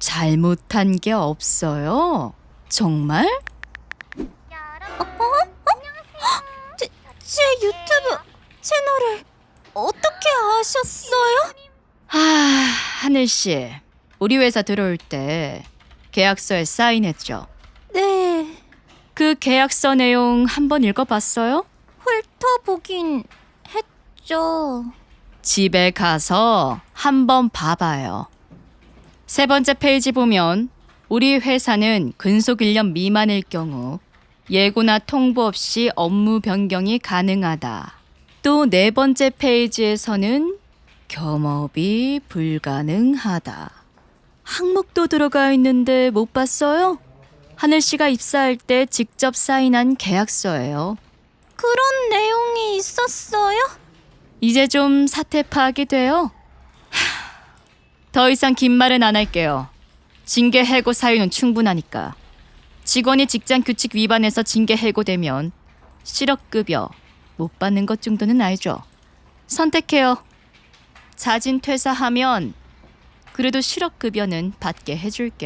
잘못한 게 없어요. 정말? 제 유튜브 채널을 어떻게 아셨어요? 하늘씨, 우리 회사 들어올 때 계약서에 사인했죠? 네, 그 계약서 내용 한번 읽어봤어요? 훑어보긴 했죠. 집에 가서 한번 봐봐요. 세 번째 페이지 보면 우리 회사는 근속 1년 미만일 경우 예고나 통보 없이 업무 변경이 가능하다. 또 네 번째 페이지에서는 겸업이 불가능하다. 항목도 들어가 있는데 못 봤어요? 하늘씨가 입사할 때 직접 사인한 계약서예요. 그런 내용이 있었어요? 이제 좀 사태 파악이 돼요. 더 이상 긴 말은 안 할게요. 징계 해고 사유는 충분하니까. 직원이 직장 규칙 위반해서 징계 해고되면 실업급여 못 받는 것 정도는 알죠. 선택해요. 자진 퇴사하면 그래도 실업급여는 받게 해줄게.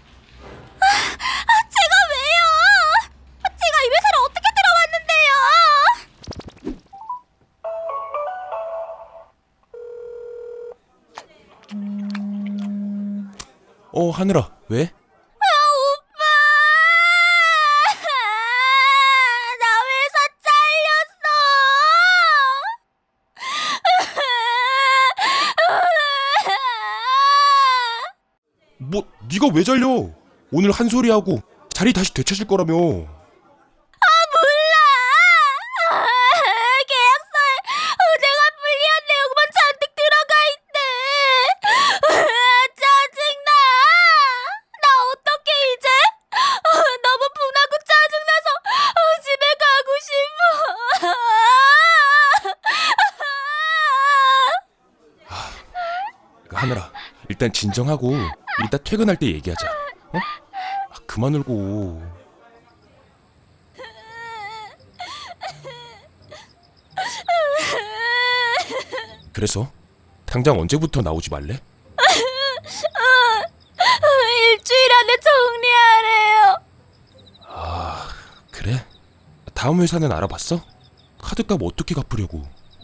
제가 왜요? 제가 이 회사를 어떻게 들어왔는데요? 하늘아, 왜? 오빠! 나 회사 잘렸어! 뭐, 네가 왜 잘려? 오늘 한 소리 하고 자리 다시 되찾을 거라며. 몰라! 계약서에 내가 불리한 내용만 잔뜩 들어가 있대! 짜증나! 나 어떡해 이제? 너무 분하고 짜증나서 집에 가고 싶어! 하늘아, 일단 진정하고 이따 퇴근할 때 얘기하자. 어? 그만 울고. 그래서 당장 언제부터 나오지 말래? 일주일 안에 정리하래요. 그래? 다음 회사는 알아봤어? 카드값 어떻게 갚으려고?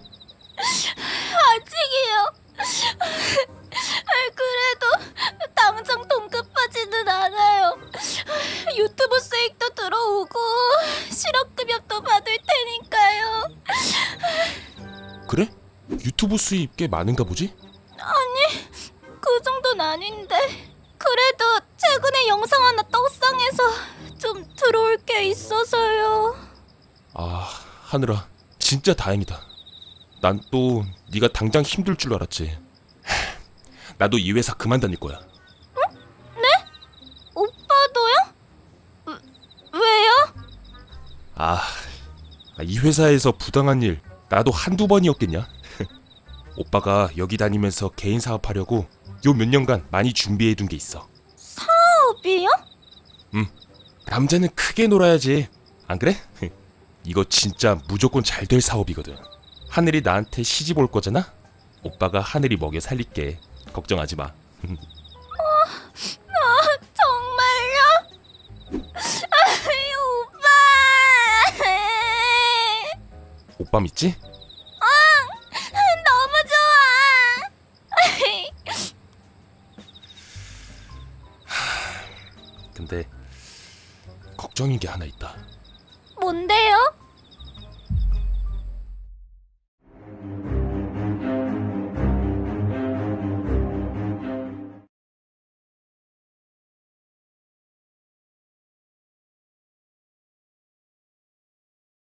아직이요. 그래도 당장 돈 급하지는 않아요. 유튜브 수익도 들어오고 실업급여도 받을 테니까요. 그래? 유튜브 수입 꽤 많은가 보지? 아니, 그 정도는 아닌데. 그래도 최근에 영상 하나 떡상해서 좀 들어올 게 있어서요. 하늘아, 진짜 다행이다. 난 또 네가 당장 힘들 줄 알았지. 나도 이 회사 그만 다닐 거야. 오빠도요? 왜요? 이 회사에서 부당한 일 나도 한두 번이었겠냐? 오빠가 여기 다니면서 개인 사업하려고 요 몇 년간 많이 준비해둔 게 있어. 사업이요? 남자는 크게 놀아야지. 안 그래? 이거 진짜 무조건 잘 될 사업이거든. 하늘이 나한테 시집 올 거잖아? 오빠가 하늘이 먹여 살릴게. 걱정하지 마. 정말요? 오빠! 오빠 믿지? 너무 좋아! 근데 걱정인 게 하나 있다. 뭔데요?